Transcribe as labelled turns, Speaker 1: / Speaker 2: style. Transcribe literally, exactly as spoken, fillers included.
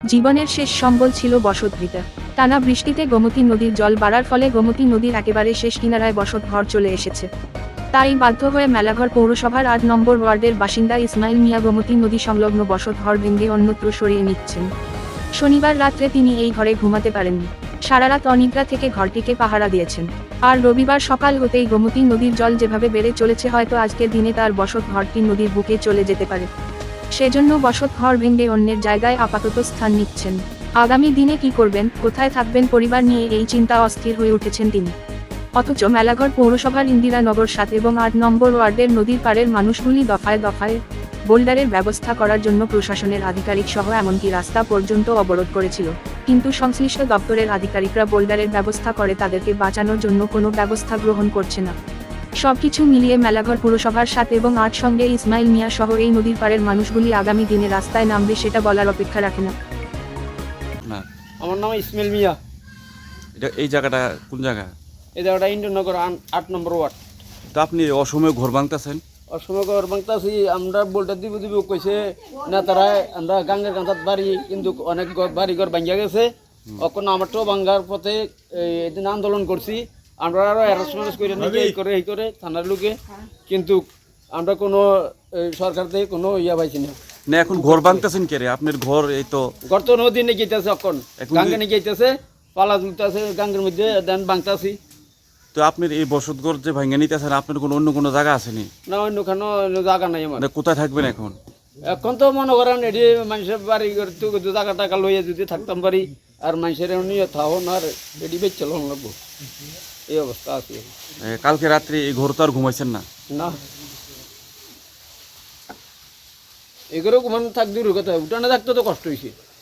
Speaker 1: জীবনের শেষ সম্বল ছিল বসতভিটা। টানা বৃষ্টিতে গোমতী নদীর জল বাড়ার ফলে গোমতী নদীর একেবারে শেষ কিনারায় বসত ঘর চলে এসেছে। তাই বাধ্য হয়ে মেলাঘর পৌরসভার আট নম্বর ওয়ার্ডের বাসিন্দা ইসমাইল মিয়া গোমতী নদী সংলগ্ন বসত ঘর ভেঙে অন্যত্র সরিয়ে নিচ্ছেন। শনিবার রাত্রে তিনি এই ঘরে ঘুমাতে পারেননি। সারারাত অনিদ্রা থেকে ঘরটিকে পাহারা দিয়েছেন। আর রবিবার সকাল হতেই গোমতী নদীর জল যেভাবে বেড়ে চলেছে, হয়তো আজকের দিনে তার বসত ঘরটি নদীর বুকে চলে যেতে পারে। সেজন্য বসত ঘর ভেঙে অন্যের জায়গায় আপাতত স্থান নিচ্ছেন। আগামী দিনে কি করবেন, কোথায় থাকবেন, পরিবার নিয়ে এই চিন্তা অস্থির হয়ে উঠেছেন তিনি। অথচ মেলাঘর পৌরসভার ইন্দিরানগর সাত এবং আট নম্বর ওয়ার্ডের নদীর পাড়ের মানুষগুলি দফায় দফায় বোল্ডারের ব্যবস্থা করার জন্য প্রশাসনের আধিকারিক সহ এমনকি রাস্তা পর্যন্ত অবরোধ করেছিল, কিন্তু সংশ্লিষ্ট দপ্তরের আধিকারিকরা বোল্ডারের ব্যবস্থা করে তাদেরকে বাঁচানোর জন্য কোনো ব্যবস্থা গ্রহণ করছে না। সবকিছু মিলিয়ে মেলাঘর পুরসভার সাত এবং আট সঙ্গে ইসমাইল মিয়া সহ এই নদীর পাড়ের মানুষগুলি আগামী দিনে রাস্তায় নামবে সেটা বলার অপেক্ষা রাখে না।
Speaker 2: না,
Speaker 3: আমার নাম ইসমাইল মিয়া।
Speaker 2: এটা এই জায়গাটা কোন জায়গা?
Speaker 3: এই জায়গাটা ইন্দ্রনগর আট নম্বর ওয়ার্ড।
Speaker 2: তো আপনি অসময়ে ঘর ভাঙতেছেন?
Speaker 3: অসময় ঘর ভাঙতাছি, আমরা বোল্টার দিব দিব কইছে না তারা, আমরা গাঙ্গের কাঁথাত বাড়ি, কিন্তু অনেক বাড়ি ঘর ভাঙ্গিয়া গেছে। এখন আমারটাও ভাঙ্গার পথে এদিন আন্দোলন করছি, আমরা আরো অ্যারেস্ট করে নাকি এই করে এই করে থানার লোকে, কিন্তু আমরা কোনো সরকার থেকে কোনো ইয়া পাইছি না।
Speaker 2: না, এখন ঘর ভাঙতেছেন কে রে? আপনার ঘর এই তো
Speaker 3: ঘর তো নদী নিয়ে গেতেছে, এখন গাঙ্গে নিয়ে গেতেছে, পালা তুলতেছে গাঙ্গের মধ্যে, দেন ভাঙতাছি।
Speaker 2: তো আপনার এই বসতঘর যে ভাঙে নিতেছেন, আপনার কোনো অন্য কোনো জায়গা আসেনি?
Speaker 3: না, অন্য কোনো জায়গা নাই আমার।
Speaker 2: কোথায় থাকবেন এখন?
Speaker 3: এখন তো মনে করেন এটি মানুষের বাড়ি তো টাকা টাকা লইয়া যদি থাকতাম পারি, আর মানুষের নিয়ে থাকুন, আর এটি বেচ চলন লাগবো, এই অবস্থা আছে।
Speaker 2: কালকে রাত্রে এই ঘর তো আর ঘুমাইছেন না?
Speaker 3: না, এগুলো ঘুমানো থাক দূর কথা, উঠানে থাকতে তো কষ্ট হয়েছে।